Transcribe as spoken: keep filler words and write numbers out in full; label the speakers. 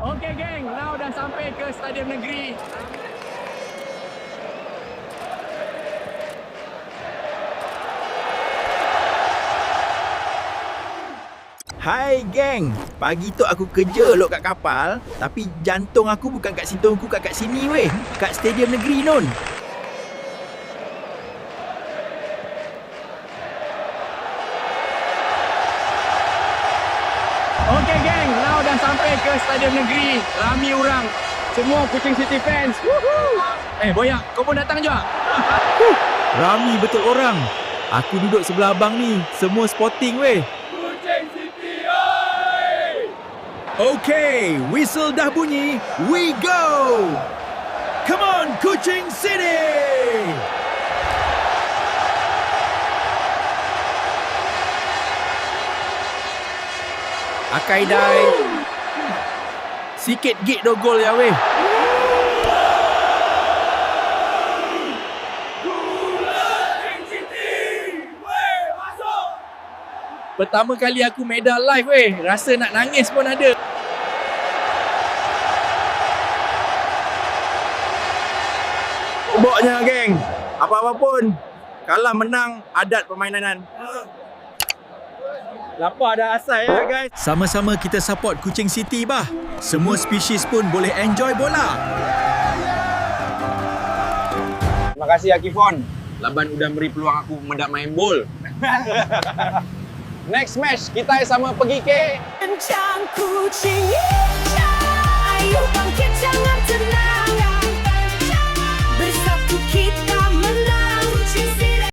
Speaker 1: Okey geng, now dah sampai ke Stadium Negeri.
Speaker 2: Hai geng, pagi tu aku kerja lok kat kapal, tapi jantung aku bukan kat situ, aku kat kat sini weh, kat Stadium Negeri non.
Speaker 1: Okey geng, now dah sampai ke Stadium Negeri. Ramai orang, semua Kuching City fans. Woohoo! Eh Boyak, kau pun datang juga?
Speaker 2: Rami betul orang. Aku duduk sebelah abang ni, semua sporting weh. Okay, whistle dah bunyi. We go! Come on, Kuching City! Akai dai. Sikit gig do gol ya weh. Pertama kali aku medal live weh. Rasa nak nangis pun ada. Pokoknya geng, apa-apa pun, kalah menang adat permainan. Lapar dah asal ya guys. Sama-sama kita support Kuching City bah. Semua spesies pun boleh enjoy bola.
Speaker 1: Terima kasih Akifon. Laban udah beri peluang aku mendak main bol. Next match kita sama pergi ke
Speaker 3: Kencang kucing hijau, ayo bangkit jangan tenang.